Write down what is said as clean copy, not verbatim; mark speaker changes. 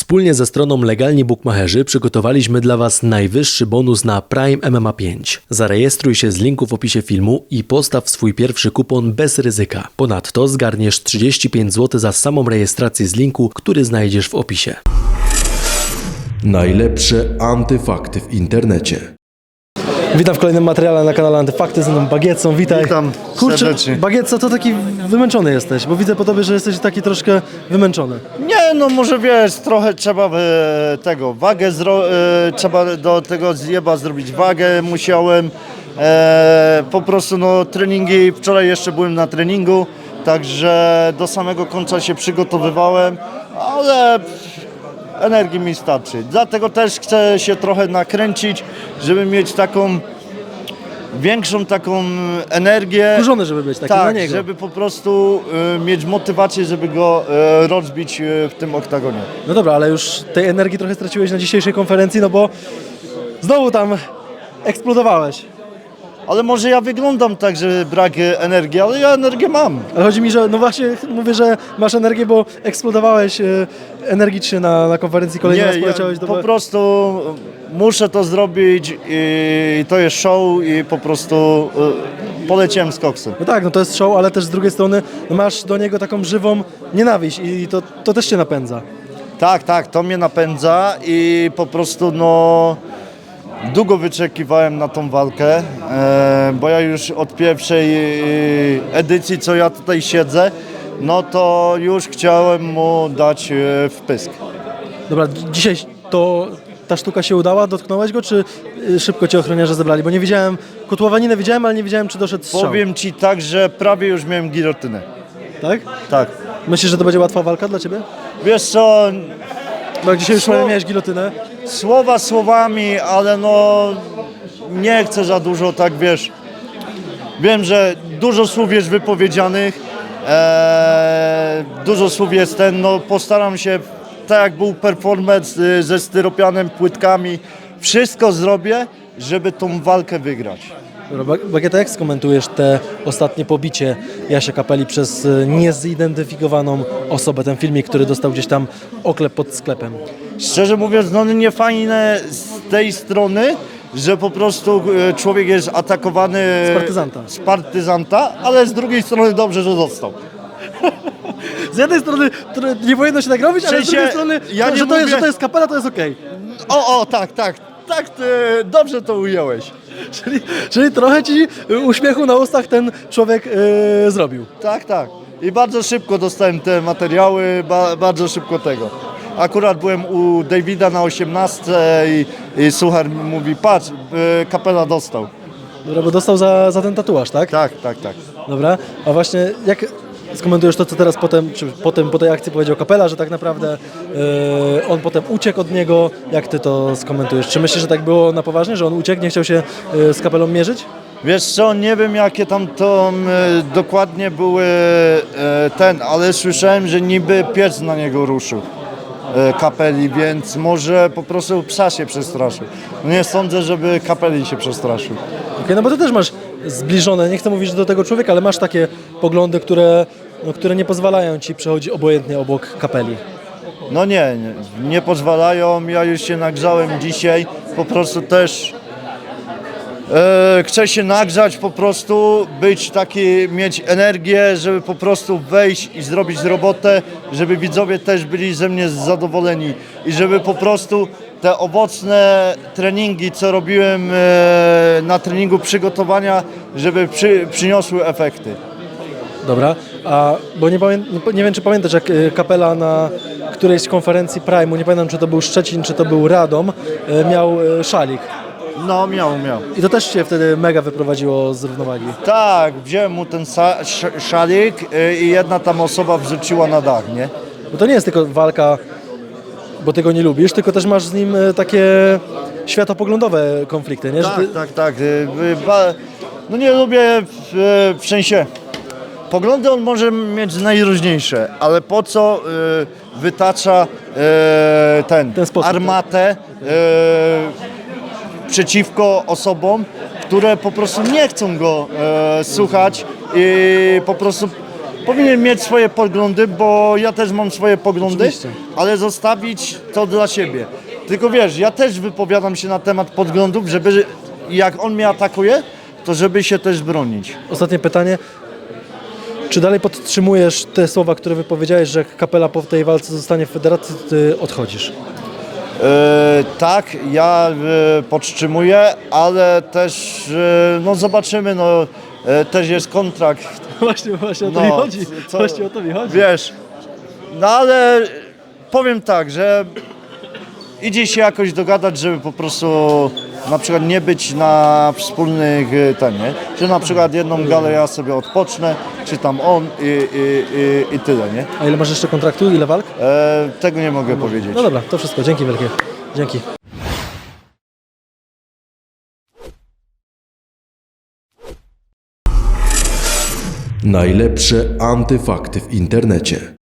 Speaker 1: Wspólnie ze stroną Legalni Bukmacherzy przygotowaliśmy dla Was najwyższy bonus na Prime MMA 5. Zarejestruj się z linku w opisie filmu i postaw swój pierwszy kupon bez ryzyka. Ponadto zgarniesz 35 zł za samą rejestrację z linku, który znajdziesz w opisie. Najlepsze antyfakty w internecie.
Speaker 2: Witam w kolejnym materiale na kanale Antyfakty, z mną Bagietson, witaj.
Speaker 3: Witam serdecznie.
Speaker 2: Bagietson, to taki wymęczony jesteś, bo widzę po tobie, że jesteś taki troszkę wymęczony.
Speaker 3: Nie, no może wiesz, trochę trzeba wagę, trzeba do tego zjeba zrobić wagę, musiałem. Po prostu no treningi, wczoraj jeszcze byłem na treningu, także do samego końca się przygotowywałem, ale energii mi starczy. Dlatego też chcę się trochę nakręcić, żeby mieć taką większą taką energię.
Speaker 2: Wkurzony, żeby być taki
Speaker 3: tak,
Speaker 2: na niego.
Speaker 3: żeby po prostu mieć motywację, żeby go rozbić w tym oktagonie.
Speaker 2: No dobra, ale już tej energii trochę straciłeś na dzisiejszej konferencji, no bo znowu tam eksplodowałeś.
Speaker 3: Ale może ja wyglądam tak, że brak energii, ale ja energię mam.
Speaker 2: Ale chodzi mi, że no właśnie mówię, że masz energię, bo eksplodowałeś energicznie na konferencji, kolejny raz poleciałeś do...
Speaker 3: Po prostu muszę to zrobić i to jest show i po prostu poleciałem z koksem.
Speaker 2: No tak, no to jest show, ale też z drugiej strony no masz do niego taką żywą nienawiść i to też cię napędza.
Speaker 3: Tak, to mnie napędza i po prostu no długo wyczekiwałem na tą walkę, bo ja już od pierwszej edycji, co ja tutaj siedzę, no to już chciałem mu dać wpysk.
Speaker 2: Dobra, dzisiaj ta sztuka się udała? Dotknąłeś go, czy szybko cię ochroniarze zebrali? Bo nie widziałem, kotłowaninę widziałem, ale nie widziałem, czy doszedł strzał.
Speaker 3: Powiem ci tak, że prawie już miałem gilotynę.
Speaker 2: Tak?
Speaker 3: Tak.
Speaker 2: Myślisz, że to będzie łatwa walka dla ciebie?
Speaker 3: Wiesz co,
Speaker 2: Bo jak dzisiaj już miałeś gilotynę.
Speaker 3: słowa słowami, ale no nie chcę za dużo, tak wiesz. Wiem, że dużo słów jest wypowiedzianych, dużo słów jest no postaram się, tak jak był performance ze styropianem, płytkami, wszystko zrobię, żeby tą walkę wygrać.
Speaker 2: Dobra, Bagieta, jak skomentujesz te ostatnie pobicie Jasia Kapeli przez niezidentyfikowaną osobę, ten filmik, który dostał gdzieś tam oklep pod sklepem?
Speaker 3: Szczerze mówiąc, no nie fajne z tej strony, że po prostu człowiek jest atakowany z partyzanta, ale z drugiej strony dobrze, że dostał.
Speaker 2: Z jednej strony nie powinno się tak robić, ale z drugiej strony,
Speaker 3: ja nie
Speaker 2: że to jest Kapela, to jest okej.
Speaker 3: Tak, ty dobrze to ująłeś.
Speaker 2: Czyli trochę ci uśmiechu na ustach ten człowiek zrobił.
Speaker 3: Tak. I bardzo szybko dostałem te materiały, bardzo szybko tego. Akurat byłem u Davida na 18 i Suchar mówi, patrz, Kapela dostał.
Speaker 2: Dobra, bo dostał za ten tatuaż, tak?
Speaker 3: Tak.
Speaker 2: Dobra, a właśnie jak skomentujesz to, co teraz po tej akcji powiedział Kapela, że tak naprawdę on potem uciekł od niego, jak ty to skomentujesz? Czy myślisz, że tak było na poważnie, że on uciekł, nie chciał się z Kapelą mierzyć?
Speaker 3: Wiesz co, nie wiem jakie tam to dokładnie były ale słyszałem, że niby pies na niego ruszył. Kapeli, więc może po prostu psa się przestraszył. No nie sądzę, żeby Kapeli się przestraszył.
Speaker 2: Okej, no bo ty też masz zbliżone, nie chcę mówić do tego człowieka, ale masz takie poglądy, które nie pozwalają ci przechodzić obojętnie obok Kapeli.
Speaker 3: No nie pozwalają, ja już się nagrzałem dzisiaj, po prostu też chcę się nagrzać, po prostu być taki, mieć energię, żeby po prostu wejść i zrobić robotę, żeby widzowie też byli ze mnie zadowoleni i żeby po prostu te owocne treningi, co robiłem na treningu przygotowania, żeby przyniosły efekty.
Speaker 2: Dobra, bo nie wiem, czy pamiętasz, jak Kapela na którejś z konferencji Prime'u, nie pamiętam, czy to był Szczecin, czy to był Radom, miał szalik.
Speaker 3: No miał.
Speaker 2: I to też się wtedy mega wyprowadziło z równowagi.
Speaker 3: Tak, wziąłem mu ten szalik i jedna tam osoba wrzuciła na dach, nie?
Speaker 2: Bo to nie jest tylko walka, bo ty go nie lubisz, tylko też masz z nim takie światopoglądowe konflikty, nie?
Speaker 3: Tak. No nie lubię w sensie. Poglądy on może mieć najróżniejsze, ale po co wytacza ten
Speaker 2: sposób,
Speaker 3: armatę przeciwko osobom, które po prostu nie chcą go słuchać i po prostu powinien mieć swoje poglądy, bo ja też mam swoje poglądy,
Speaker 2: Oczywiście.
Speaker 3: ale zostawić to dla siebie. Tylko wiesz, ja też wypowiadam się na temat poglądów, żeby jak on mnie atakuje, to żeby się też bronić.
Speaker 2: Ostatnie pytanie. Czy dalej podtrzymujesz te słowa, które wypowiedziałeś, że jak Kapela po tej walce zostanie w federacji, ty odchodzisz?
Speaker 3: Tak, ja podtrzymuję, ale też no zobaczymy, no też jest kontrakt.
Speaker 2: Właśnie o to
Speaker 3: No,
Speaker 2: mi chodzi.
Speaker 3: co-
Speaker 2: Właśnie o to mi chodzi.
Speaker 3: Wiesz, no ale powiem tak, że idzie się jakoś dogadać, żeby po prostu na przykład nie być na wspólnych nie? Że na przykład jedną galę ja sobie odpocznę, czy tam on i tyle, nie?
Speaker 2: A ile masz jeszcze kontraktu? Ile walk?
Speaker 3: Tego nie mogę powiedzieć.
Speaker 2: No dobra, to wszystko. Dzięki wielkie. Dzięki.
Speaker 1: Najlepsze antyfakty w internecie.